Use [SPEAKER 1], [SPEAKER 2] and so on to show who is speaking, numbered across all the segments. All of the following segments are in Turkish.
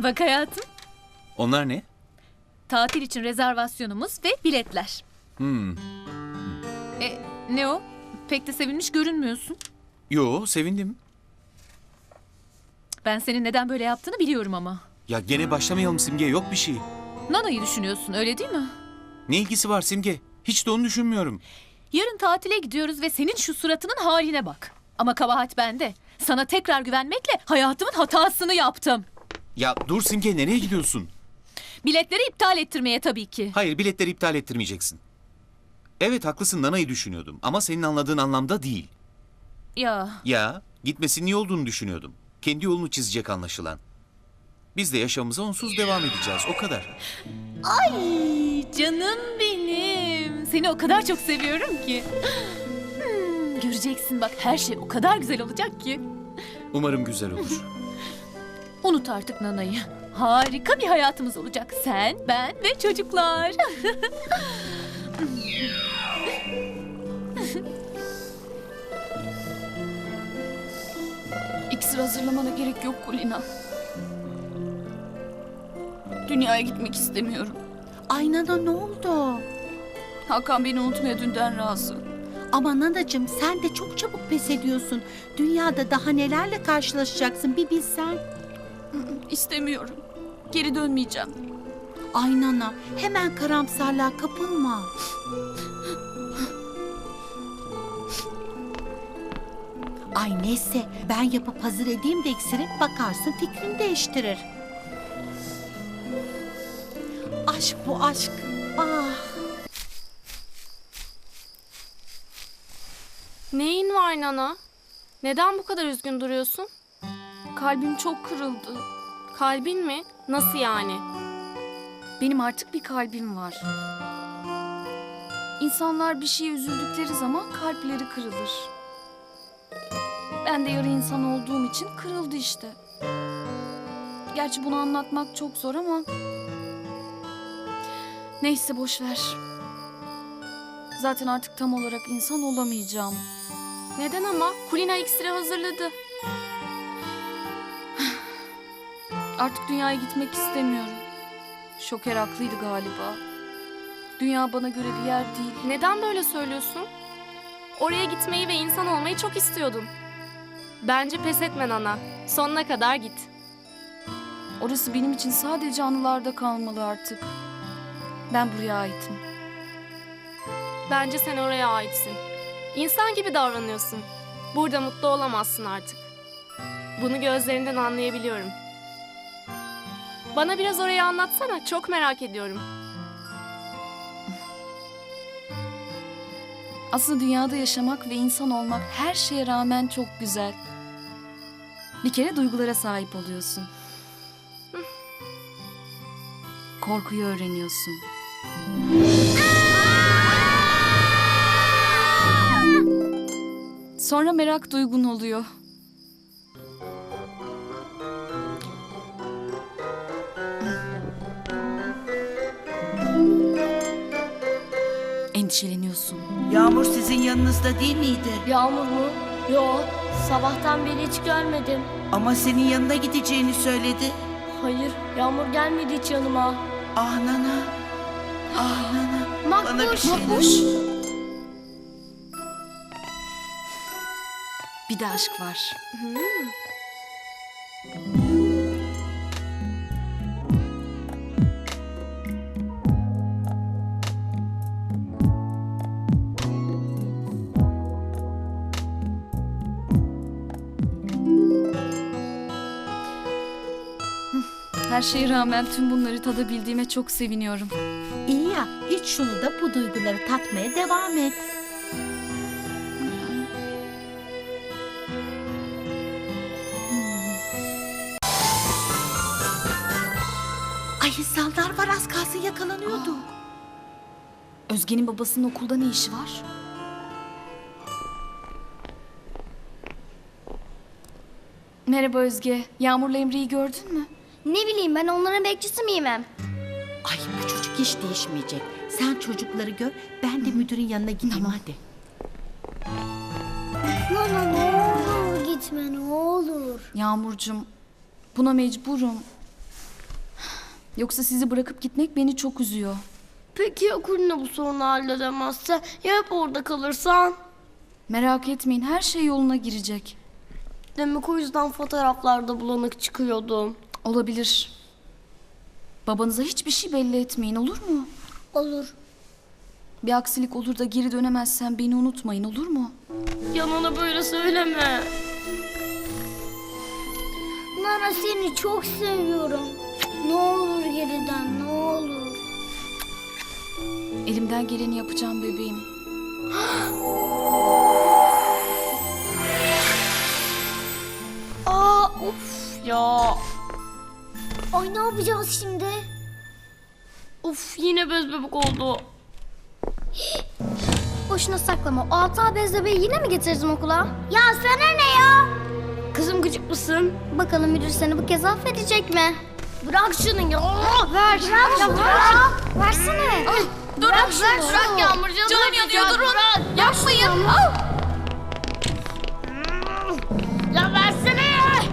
[SPEAKER 1] Bak hayatım,
[SPEAKER 2] Onlar ne?
[SPEAKER 1] tatil için rezervasyonumuz ve biletler. Ne o? Pek de sevinmiş görünmüyorsun.
[SPEAKER 2] Yo, sevindim.
[SPEAKER 1] Ben senin neden böyle yaptığını biliyorum ama.
[SPEAKER 2] Ya gene başlamayalım Simge, yok bir şey.
[SPEAKER 1] Nana'yı düşünüyorsun, öyle değil mi?
[SPEAKER 2] Ne ilgisi var Simge? Hiç de onu düşünmüyorum.
[SPEAKER 1] Yarın tatile gidiyoruz ve senin şu suratının haline bak. Ama kabahat bende. Sana tekrar güvenmekle hayatımın hatasını yaptım.
[SPEAKER 2] Ya dur Simge, nereye gidiyorsun?
[SPEAKER 1] Biletleri iptal ettirmeye tabii ki.
[SPEAKER 2] Hayır, biletleri iptal ettirmeyeceksin. Evet, haklısın, Nana'yı düşünüyordum. Ama senin anladığın anlamda değil. Ya, gitmesinin iyi olduğunu düşünüyordum. Kendi yolunu çizecek anlaşılan. Biz de yaşamımıza onsuz devam edeceğiz, o kadar.
[SPEAKER 1] Ay canım benim. Seni o kadar çok seviyorum ki. Göreceksin bak, her şey o kadar güzel olacak ki.
[SPEAKER 2] Umarım güzel olur.
[SPEAKER 1] Unut artık Nana'yı. Harika bir hayatımız olacak. Sen, ben ve çocuklar.
[SPEAKER 3] İksir hazırlamana gerek yok Kulina. Dünyaya gitmek istemiyorum.
[SPEAKER 4] Ay Nana, ne oldu?
[SPEAKER 3] Hakan beni unutmaya dünden razı.
[SPEAKER 4] Ama Nanacığım, sen de çok çabuk pes ediyorsun. Dünyada daha nelerle karşılaşacaksın bir bilsen.
[SPEAKER 3] İstemiyorum. Geri dönmeyeceğim.
[SPEAKER 4] Ay Nana, hemen karamsarlığa kapılma. Ay neyse, ben yapıp hazır edeyim de iksiri, bakarsın fikrini değiştirir. Aşk bu aşk. Ah.
[SPEAKER 5] Neyin var Nana? Neden bu kadar üzgün duruyorsun?
[SPEAKER 3] Kalbim çok kırıldı.
[SPEAKER 5] Kalbin mi? Nasıl yani?
[SPEAKER 3] Benim artık bir kalbim var. İnsanlar bir şeye üzüldükleri zaman kalpleri kırılır. Ben de yarı insan olduğum için kırıldı işte. Gerçi bunu anlatmak çok zor ama... Neyse boş ver. Zaten artık tam olarak insan olamayacağım.
[SPEAKER 5] Neden ama? Kulina iksiri hazırladı.
[SPEAKER 3] Artık dünyaya gitmek istemiyorum. Şoker haklıydı galiba. Dünya bana göre bir yer değil.
[SPEAKER 5] Neden böyle söylüyorsun? Oraya gitmeyi ve insan olmayı çok istiyordun. Bence pes etme Nana. Sonuna kadar git.
[SPEAKER 3] Orası benim için sadece anılarda kalmalı artık. Ben buraya aitim.
[SPEAKER 5] Bence sen oraya aitsin. İnsan gibi davranıyorsun. Burada mutlu olamazsın artık. Bunu gözlerinden anlayabiliyorum. Bana biraz orayı anlatsana. Çok merak ediyorum.
[SPEAKER 3] Aslında dünyada yaşamak ve insan olmak her şeye rağmen çok güzel. Bir kere duygulara sahip oluyorsun. Korkuyu öğreniyorsun. Sonra merak duygun oluyor. Endişeleniyorsun.
[SPEAKER 4] Yağmur sizin yanınızda değil miydi?
[SPEAKER 6] Yağmur mu? Yo, sabahtan beri hiç görmedim.
[SPEAKER 4] Ama senin yanına gideceğini söyledi.
[SPEAKER 6] Hayır, Yağmur gelmedi hiç yanıma.
[SPEAKER 4] Ah Nana. Ah Nana. Bana bir şey
[SPEAKER 3] Makbuş. Bir de aşk var. Her şeye rağmen tüm bunları tadabildiğime çok seviniyorum.
[SPEAKER 4] İyi ya, iç şunu da bu duyguları tatmaya devam et. Ay insanlar var, az kalsın yakalanıyordu.
[SPEAKER 3] Özge'nin babasının okulda ne işi var? Merhaba Özge. Yağmur'la Emre'yi gördün mü?
[SPEAKER 6] Ne bileyim, ben onların bekçisi miyim hem?
[SPEAKER 4] Ay bu çocuk hiç değişmeyecek. Sen çocukları gör, ben de müdürün yanına gideyim hadi.
[SPEAKER 6] Nana ne olur gitme ne olur.
[SPEAKER 3] Yağmurcuğum, buna mecburum. Yoksa sizi bırakıp gitmek beni çok üzüyor.
[SPEAKER 6] Peki ya Kulina bu sorunu halledemezse? Ya hep orada kalırsan?
[SPEAKER 3] Merak etmeyin, her şey yoluna girecek.
[SPEAKER 6] Demek o yüzden fotoğraflarda bulanık çıkıyordum.
[SPEAKER 3] Olabilir. Babanıza hiçbir şey belli etmeyin, olur mu?
[SPEAKER 6] Olur.
[SPEAKER 3] Bir aksilik olur da geri dönemezsen beni unutmayın, olur mu?
[SPEAKER 6] Yanına böyle söyleme. Nana seni çok seviyorum. Ne olur geriden, ne olur.
[SPEAKER 3] Elimden geleni yapacağım bebeğim.
[SPEAKER 6] Aa, of ya. Ay ne yapacağız şimdi? Of yine bez bebek oldu. Boşuna saklama. O hata bez bebeği yine mi getirdin okula? Ya sana ne ya? Kızım gıcık mısın? Bakalım müdür seni bu kez affedecek mi? Bırak şunu ya. Ver. Bırak ya bırak. Versene. Bırak şunu. Bırak Yağmurcuğum.
[SPEAKER 1] Canım yanıyor, durun. Yapmayın.
[SPEAKER 6] Ya versene.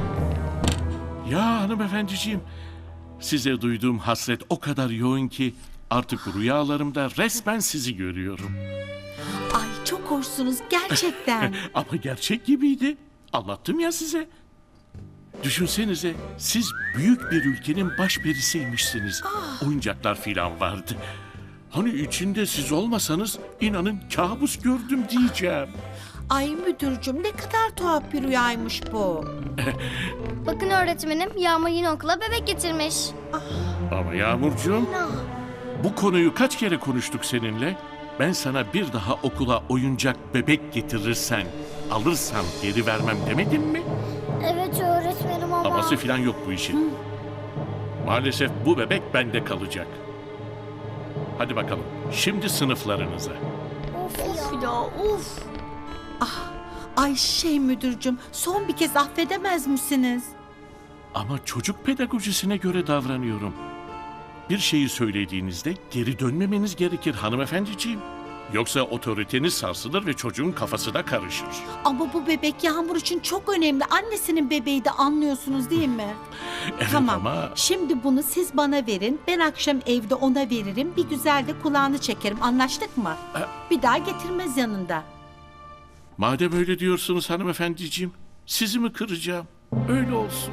[SPEAKER 7] Ya hanımefendiciğim, size duyduğum hasret o kadar yoğun ki artık rüyalarımda resmen sizi görüyorum.
[SPEAKER 4] Ay çok hoşsunuz gerçekten.
[SPEAKER 7] Ama gerçek gibiydi. Anlattım ya size. Düşünsenize, siz büyük bir ülkenin başperisiymişsiniz. Oyuncaklar filan vardı. Hani içinde siz olmasanız inanın kabus gördüm diyeceğim.
[SPEAKER 4] Ay müdürcüm ne kadar tuhaf bir rüyaymış bu.
[SPEAKER 8] Bakın öğretmenim, Yağmur yine okula bebek getirmiş.
[SPEAKER 7] Ama Yağmurcuğum, bu konuyu kaç kere konuştuk seninle? Ben sana bir daha okula oyuncak bebek getirirsen, alırsan geri vermem demedim mi?
[SPEAKER 8] Evet öğretmenim ama...
[SPEAKER 7] Aması filan yok bu işin. Maalesef bu bebek bende kalacak. Hadi bakalım, şimdi sınıflarınıza.
[SPEAKER 6] Of ya of.
[SPEAKER 4] Ay müdürcüm son bir kez affedemez misiniz?
[SPEAKER 7] Ama çocuk pedagojisine göre davranıyorum. Bir şeyi söylediğinizde geri dönmemeniz gerekir hanımefendiciğim. Yoksa otoriteniz sarsılır ve çocuğun kafası da karışır.
[SPEAKER 4] Ama bu bebek Yağmur için çok önemli. Annesinin bebeği de anlıyorsunuz değil mi?
[SPEAKER 7] Evet
[SPEAKER 4] Tamam.
[SPEAKER 7] ama
[SPEAKER 4] Şimdi bunu siz bana verin. Ben akşam evde ona veririm. Bir güzel de kulağını çekerim. Anlaştık mı? Bir daha getirmez yanında.
[SPEAKER 7] madem öyle diyorsunuz hanımefendiciğim, sizi mi kıracağım? Öyle olsun.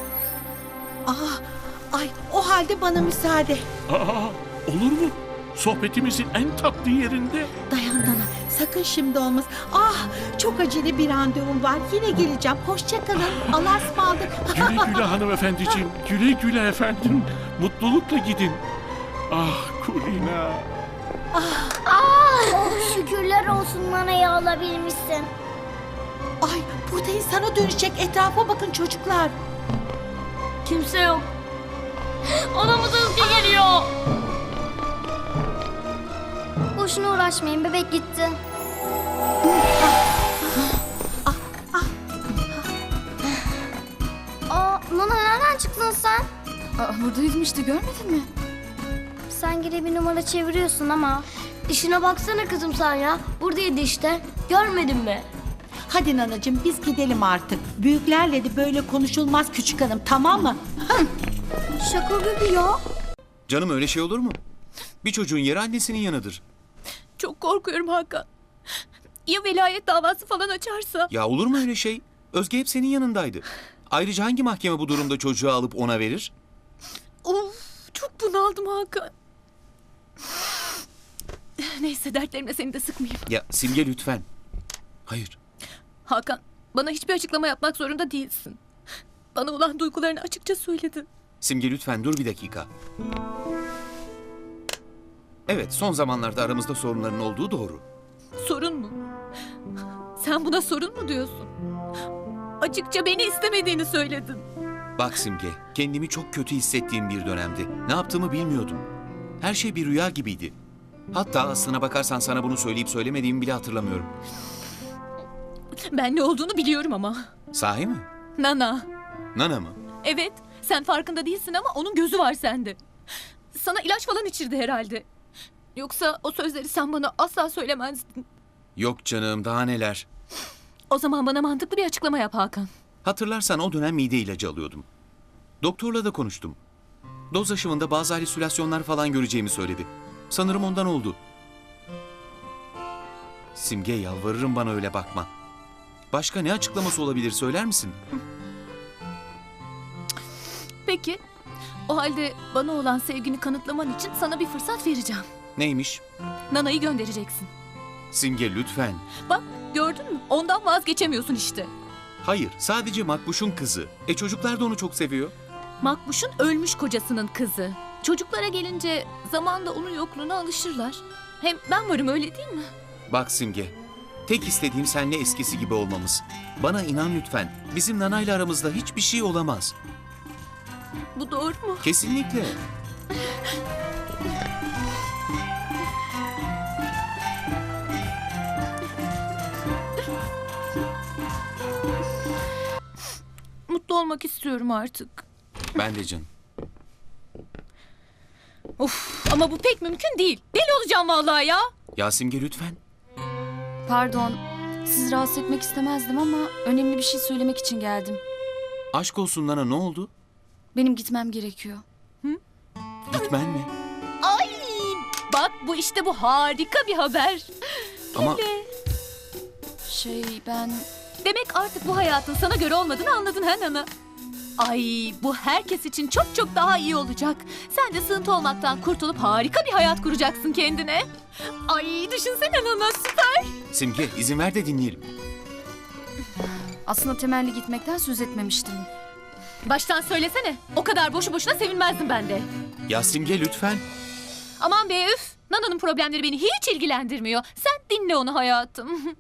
[SPEAKER 4] Ay o halde bana müsaade.
[SPEAKER 7] Aa, olur mu? Sohbetimizin en tatlı yerinde.
[SPEAKER 4] Dayan Nana. Sakın şimdi olmaz. Çok acele bir randevum var. Yine geleceğim. Hoşça kalın. Allah'a ısmarladık.
[SPEAKER 7] Güle güle hanımefendiciğim, güle güle efendim. Mutlulukla gidin. Ah Kulina.
[SPEAKER 8] Şükürler olsun Nana'yı alabilmişsin.
[SPEAKER 4] Ay burada insana dönecek. Etrafa bakın çocuklar.
[SPEAKER 6] Kimse yok. Anamız Özge geliyor.
[SPEAKER 8] Boşuna uğraşmayın, bebek gitti. Nana nereden çıktın sen?
[SPEAKER 3] Buradaydım işte, görmedin mi?
[SPEAKER 8] Sen gene bir numara çeviriyorsun ama.
[SPEAKER 6] İşine baksana kızım sen ya. Buradaydı işte. Görmedin mi?
[SPEAKER 4] Hadi nanacığım biz gidelim artık. Büyüklerle de böyle konuşulmaz küçük hanım, tamam mı?
[SPEAKER 8] Şaka gibi ya.
[SPEAKER 2] Canım öyle şey olur mu? Bir çocuğun yeri annesinin yanıdır.
[SPEAKER 1] Çok korkuyorum Hakan. Ya velayet davası falan açarsa?
[SPEAKER 2] Ya olur mu öyle şey? Özge hep senin yanındaydı. Ayrıca hangi mahkeme bu durumda çocuğu alıp ona verir?
[SPEAKER 1] Of, çok bunaldım Hakan. Neyse dertlerimle seni de sıkmayayım.
[SPEAKER 2] Ya Simge lütfen. Hayır.
[SPEAKER 1] Hakan, bana hiçbir açıklama yapmak zorunda değilsin. Bana olan duygularını açıkça söyledin.
[SPEAKER 2] Simge lütfen dur bir dakika. Evet, son zamanlarda aramızda sorunların olduğu doğru.
[SPEAKER 1] Sorun mu? Sen buna sorun mu diyorsun? Açıkça beni istemediğini söyledin.
[SPEAKER 2] Bak Simge, kendimi çok kötü hissettiğim bir dönemdi. Ne yaptığımı bilmiyordum. Her şey bir rüya gibiydi. Hatta aslına bakarsan sana bunu söyleyip söylemediğimi bile hatırlamıyorum.
[SPEAKER 1] Ben ne olduğunu biliyorum ama.
[SPEAKER 2] Sahi mi?
[SPEAKER 1] Nana.
[SPEAKER 2] Nana mı?
[SPEAKER 1] Evet, sen farkında değilsin ama onun gözü var sende. Sana ilaç falan içirdi herhalde. Yoksa o sözleri sen bana asla söylemezdin.
[SPEAKER 2] Yok canım, daha neler.
[SPEAKER 1] O zaman bana mantıklı bir açıklama yap Hakan.
[SPEAKER 2] Hatırlarsan o dönem mide ilacı alıyordum. Doktorla da konuştum. Doz aşımında bazı halüsinasyonlar falan göreceğimi söyledi. Sanırım ondan oldu. Simge, yalvarırım bana öyle bakma. Başka ne açıklaması olabilir, söyler misin?
[SPEAKER 1] Peki. O halde bana olan sevgini kanıtlaman için sana bir fırsat vereceğim.
[SPEAKER 2] Neymiş?
[SPEAKER 1] Nana'yı göndereceksin.
[SPEAKER 2] Simge, lütfen.
[SPEAKER 1] Bak, gördün mü? Ondan vazgeçemiyorsun işte.
[SPEAKER 2] Hayır, sadece Makbuş'un kızı. Çocuklar da onu çok seviyor.
[SPEAKER 1] Makbuş'un ölmüş kocasının kızı. Çocuklara gelince zamanla onun yokluğuna alışırlar. Hem ben varım, öyle değil mi?
[SPEAKER 2] Bak Simge, tek istediğim seninle eskisi gibi olmamız. Bana inan lütfen. Bizim Nana'yla aramızda hiçbir şey olamaz.
[SPEAKER 1] Bu doğru mu?
[SPEAKER 2] Kesinlikle.
[SPEAKER 1] Mutlu olmak istiyorum artık.
[SPEAKER 2] Ben de canım.
[SPEAKER 1] Of, ama bu pek mümkün değil. Deli olacağım vallahi ya.
[SPEAKER 2] Ya Simge, lütfen.
[SPEAKER 3] Pardon, sizi rahatsız etmek istemezdim ama önemli bir şey söylemek için geldim.
[SPEAKER 2] Aşk olsun Nana, ne oldu?
[SPEAKER 3] Benim gitmem gerekiyor.
[SPEAKER 2] Gitmen mi?
[SPEAKER 1] Ay, bak bu işte, bu harika bir haber.
[SPEAKER 2] Ama
[SPEAKER 3] Ben...
[SPEAKER 1] Demek artık bu hayatın sana göre olmadığını anladın ha Nana? Ay, bu herkes için çok çok daha iyi olacak. Sen de sığıntı olmaktan kurtulup harika bir hayat kuracaksın kendine. Ay, düşünsene Nana, süper.
[SPEAKER 2] Simge, izin ver de dinleyelim.
[SPEAKER 3] Aslında temelli gitmekten söz etmemiştim.
[SPEAKER 1] Baştan söylesene. O kadar boşu boşuna sevinmezdim ben de.
[SPEAKER 2] Ya Simge, lütfen.
[SPEAKER 1] Aman be, üf. Nana'nın problemleri beni hiç ilgilendirmiyor. Sen dinle onu hayatım.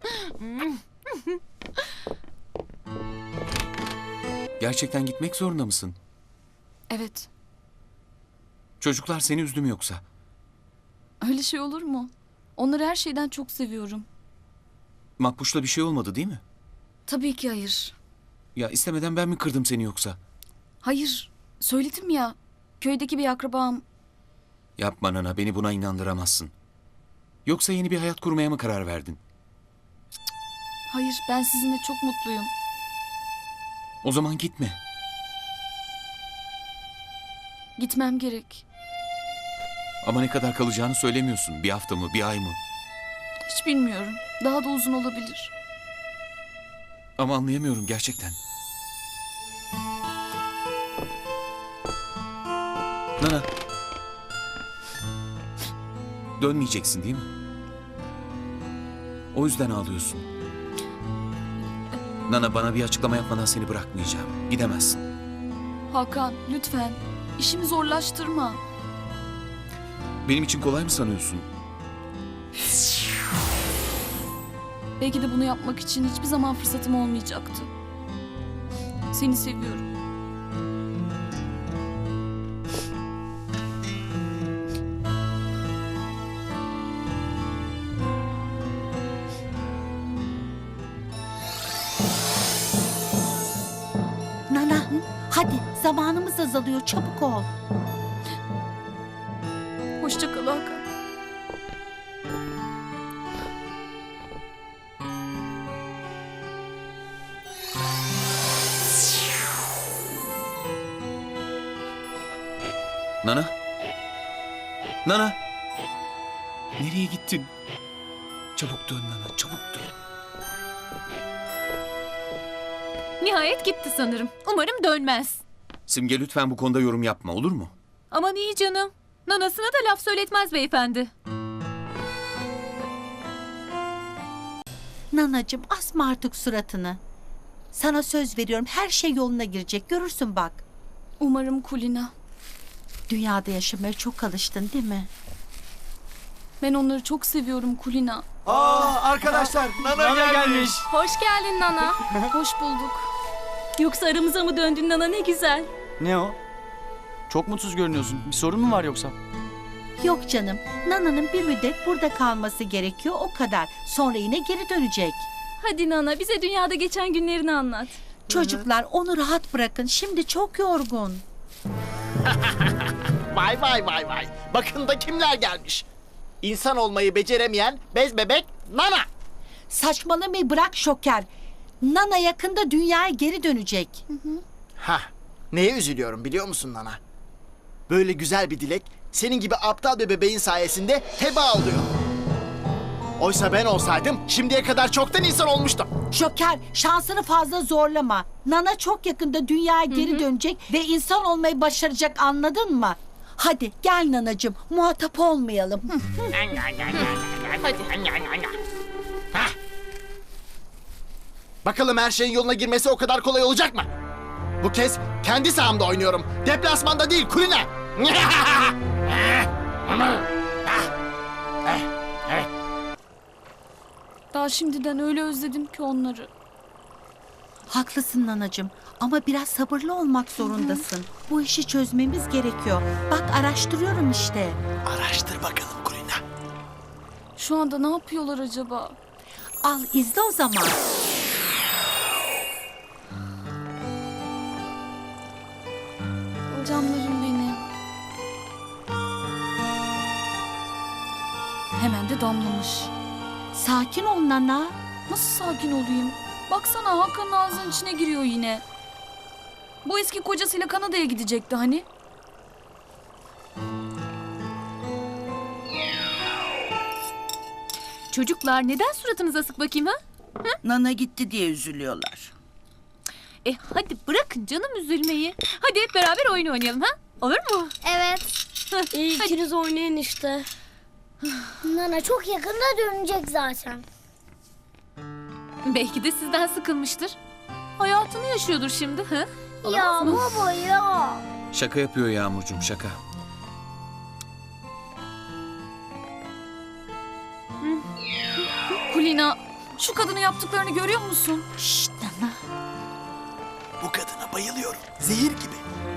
[SPEAKER 2] Gerçekten gitmek zorunda mısın?
[SPEAKER 3] Evet,
[SPEAKER 2] Çocuklar seni üzdü mü yoksa?
[SPEAKER 3] öyle şey olur mu? Onları her şeyden çok seviyorum.
[SPEAKER 2] Makbuş'la bir şey olmadı değil mi?
[SPEAKER 3] Tabii ki hayır.
[SPEAKER 2] Ya istemeden ben mi kırdım seni yoksa?
[SPEAKER 3] Hayır, söyledim ya. Köydeki bir akrabam.
[SPEAKER 2] Yapma Nana, beni buna inandıramazsın. Yoksa yeni bir hayat kurmaya mı karar verdin?
[SPEAKER 3] Hayır, ben sizinle çok mutluyum.
[SPEAKER 2] O zaman gitme.
[SPEAKER 3] Gitmem gerek.
[SPEAKER 2] Ama ne kadar kalacağını söylemiyorsun. Bir hafta mı, bir ay mı?
[SPEAKER 3] Hiç bilmiyorum. Daha da uzun olabilir.
[SPEAKER 2] Ama anlayamıyorum gerçekten. Nana. Dönmeyeceksin değil mi? O yüzden ağlıyorsun. Nana, bana bir açıklama yapmadan seni bırakmayacağım. Gidemezsin.
[SPEAKER 3] Hakan, lütfen. İşimi zorlaştırma.
[SPEAKER 2] Benim için kolay mı sanıyorsun?
[SPEAKER 3] Belki de bunu yapmak için hiçbir zaman fırsatım olmayacaktı. Seni seviyorum.
[SPEAKER 4] Nana, hadi zamanımız azalıyor, çabuk ol.
[SPEAKER 3] Hoşça kal Hakan.
[SPEAKER 2] Nana? Nana? Nereye gittin? Çabuk dön Nana, çabuk dön.
[SPEAKER 1] Nihayet gitti sanırım. Umarım dönmez.
[SPEAKER 2] Simge, lütfen bu konuda yorum yapma, olur mu?
[SPEAKER 1] Aman iyi canım. Nanasına da laf söyletmez beyefendi.
[SPEAKER 4] Nanacığım, asma artık suratını. Sana söz veriyorum, her şey yoluna girecek, görürsün bak.
[SPEAKER 3] Umarım Kulina.
[SPEAKER 4] Dünyada yaşamaya çok alıştın değil mi?
[SPEAKER 3] Ben onları çok seviyorum Kulina.
[SPEAKER 9] Arkadaşlar, Nana gelmiş.
[SPEAKER 5] Hoş geldin Nana.
[SPEAKER 3] Hoş bulduk.
[SPEAKER 1] Yoksa aramıza mı döndün Nana, ne güzel.
[SPEAKER 9] Ne o? Çok mutsuz görünüyorsun. Bir sorun mu var yoksa?
[SPEAKER 4] Yok canım, Nana'nın bir müddet burada kalması gerekiyor, o kadar. Sonra yine geri dönecek.
[SPEAKER 1] Hadi Nana, bize dünyada geçen günlerini anlat.
[SPEAKER 4] Çocuklar, onu rahat bırakın, şimdi çok yorgun.
[SPEAKER 10] Vay vay vay vay. Bakın da kimler gelmiş. İnsan olmayı beceremeyen bez bebek Nana.
[SPEAKER 4] Saçmalamayı bırak Şoker. Nana yakında dünyaya geri dönecek.
[SPEAKER 10] Hah. Neye üzülüyorum biliyor musun Nana? Böyle güzel bir dilek senin gibi aptal bir bebeğin sayesinde heba oluyor. Oysa ben olsaydım şimdiye kadar çoktan insan olmuştum.
[SPEAKER 4] Şoker, şansını fazla zorlama. Nana çok yakında dünyaya geri dönecek ve insan olmayı başaracak, anladın mı? Hadi gel nanacığım, muhatap olmayalım.
[SPEAKER 10] Bakalım her şeyin yoluna girmesi o kadar kolay olacak mı? Bu kez kendi sahamda oynuyorum. Deplasmanda değil, Kulina.
[SPEAKER 3] Daha şimdiden öyle özledim ki onları.
[SPEAKER 4] Haklısın nanacığım ama biraz sabırlı olmak zorundasın. Bu işi çözmemiz gerekiyor. Bak araştırıyorum işte.
[SPEAKER 10] Araştır bakalım Kulina.
[SPEAKER 3] Şu anda ne yapıyorlar acaba?
[SPEAKER 4] Al izle o zaman.
[SPEAKER 3] Canlarım benim. Hemen de damlamış.
[SPEAKER 4] Sakin ol Nana.
[SPEAKER 3] Nasıl sakin olayım? Baksana Hakan'ın ağzının içine giriyor yine. Bu eski kocasıyla Kanada'ya gidecekti hani.
[SPEAKER 1] Çocuklar neden suratınız asık bakayım ha?
[SPEAKER 11] Nana gitti diye üzülüyorlar.
[SPEAKER 1] Hadi bırakın canım üzülmeyi. Hadi hep beraber oyun oynayalım ha? Olur mu?
[SPEAKER 6] Evet.
[SPEAKER 5] İyi ikiniz oynayın işte.
[SPEAKER 6] Nana çok yakında dönecek zaten.
[SPEAKER 1] Belki de sizden sıkılmıştır. Hayatını yaşıyordur şimdi. Ha?
[SPEAKER 6] Ya baba ya.
[SPEAKER 2] Şaka yapıyor Yağmurcuğum, şaka.
[SPEAKER 3] Kulina, şu kadının yaptıklarını görüyor musun?
[SPEAKER 4] Şşt Nana.
[SPEAKER 10] Bu kadına bayılıyorum. Zehir gibi.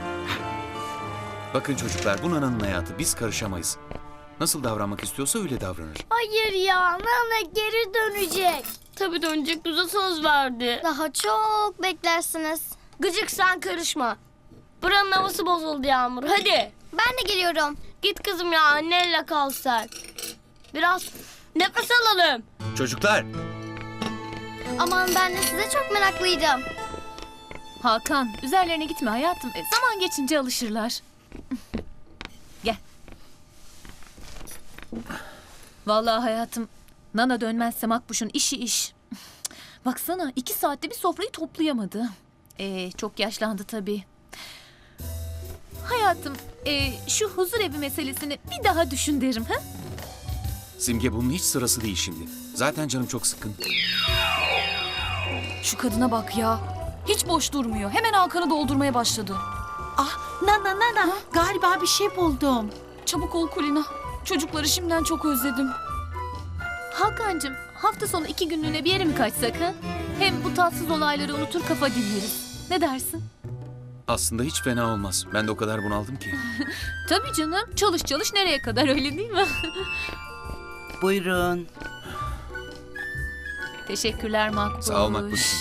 [SPEAKER 2] Bakın çocuklar, bu Nana'nın hayatı, biz karışamayız. Nasıl davranmak istiyorsa öyle davranır.
[SPEAKER 6] Hayır ya, Nana geri dönecek.
[SPEAKER 5] Tabii dönecek, bize söz verdi.
[SPEAKER 6] Daha çok beklersiniz.
[SPEAKER 5] Gıcık sen karışma. Buranın havası bozuldu Yağmur. Hadi.
[SPEAKER 6] Ben de geliyorum.
[SPEAKER 5] Git kızım ya, annenle kal sen. Biraz nefes alalım.
[SPEAKER 2] Çocuklar,
[SPEAKER 6] Aman ben de size çok meraklıydım.
[SPEAKER 1] Hakan, üzerlerine gitme hayatım. Zaman geçince alışırlar. Gel. Vallahi hayatım, Nana dönmezse Makbuş'un işi iş. Baksana 2 saatte bir sofrayı toplayamadı. Çok yaşlandı tabii. Hayatım, şu huzur evi meselesini bir daha düşün derim. Ha?
[SPEAKER 2] Simge bunun hiç sırası değil şimdi. Zaten canım çok sıkkın.
[SPEAKER 3] Şu kadına bak ya. Hiç boş durmuyor. Hemen Hakan'ı doldurmaya başladı.
[SPEAKER 4] Ah Nana, galiba bir şey buldum.
[SPEAKER 3] Çabuk ol Kulina. Çocukları şimdiden çok özledim.
[SPEAKER 1] Hakan'cığım, hafta sonu 2 günlüğüne bir yere mi kaçsak ha? Hem bu tatsız olayları unutur kafa dinleriz. Ne dersin?
[SPEAKER 2] Aslında hiç fena olmaz. Ben de o kadar bunaldım ki.
[SPEAKER 1] Tabii canım. Çalış çalış nereye kadar, öyle değil mi?
[SPEAKER 11] Buyurun.
[SPEAKER 1] Teşekkürler Makbuş.
[SPEAKER 2] Sağ ol Makbuş'um.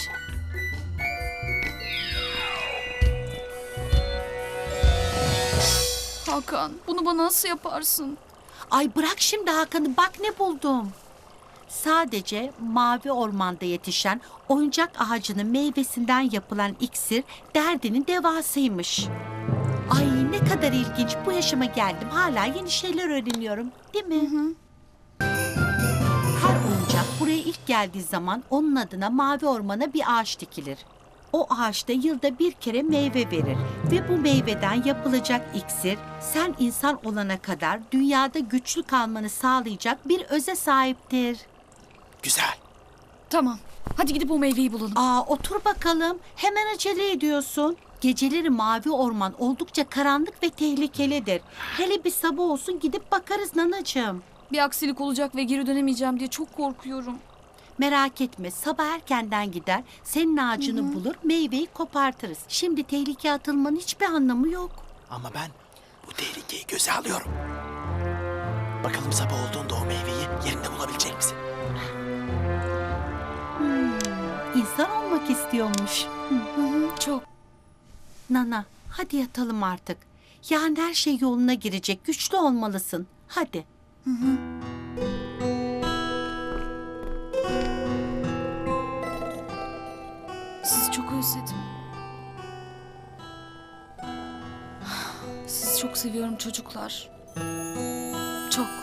[SPEAKER 3] Hakan, bunu bana nasıl yaparsın?
[SPEAKER 4] Ay bırak şimdi Hakan'ı, bak ne buldum. Sadece mavi ormanda yetişen oyuncak ağacının meyvesinden yapılan iksir derdinin devasıymış. Ay ne kadar ilginç, bu yaşıma geldim hala yeni şeyler öğreniyorum, değil mi? Her oyuncak buraya ilk geldiği zaman onun adına mavi ormana bir ağaç dikilir. O ağaçta yılda bir kere meyve verir ve bu meyveden yapılacak iksir sen insan olana kadar dünyada güçlü kalmanı sağlayacak bir öze sahiptir.
[SPEAKER 10] Güzel.
[SPEAKER 3] Tamam. Hadi gidip o meyveyi bulalım.
[SPEAKER 4] Otur bakalım. Hemen acele ediyorsun. Geceleri mavi orman oldukça karanlık ve tehlikelidir. Hele bir sabah olsun gidip bakarız nanacığım.
[SPEAKER 3] Bir aksilik olacak ve geri dönemeyeceğim diye çok korkuyorum.
[SPEAKER 4] Merak etme, sabah erkenden gider, senin ağacını bulur, meyveyi kopartırız. Şimdi tehlikeye atılmanın hiçbir anlamı yok.
[SPEAKER 10] Ama ben bu tehlikeyi göze alıyorum. Bakalım sabah olduğunda o meyveyi yerinde bulabilecek misin?
[SPEAKER 4] İnsan olmak istiyormuş.
[SPEAKER 3] Çok.
[SPEAKER 4] Nana, hadi yatalım artık. Yarın her şey yoluna girecek, güçlü olmalısın. Hadi.
[SPEAKER 3] Sizi çok özledim. Sizi çok seviyorum çocuklar. Çok.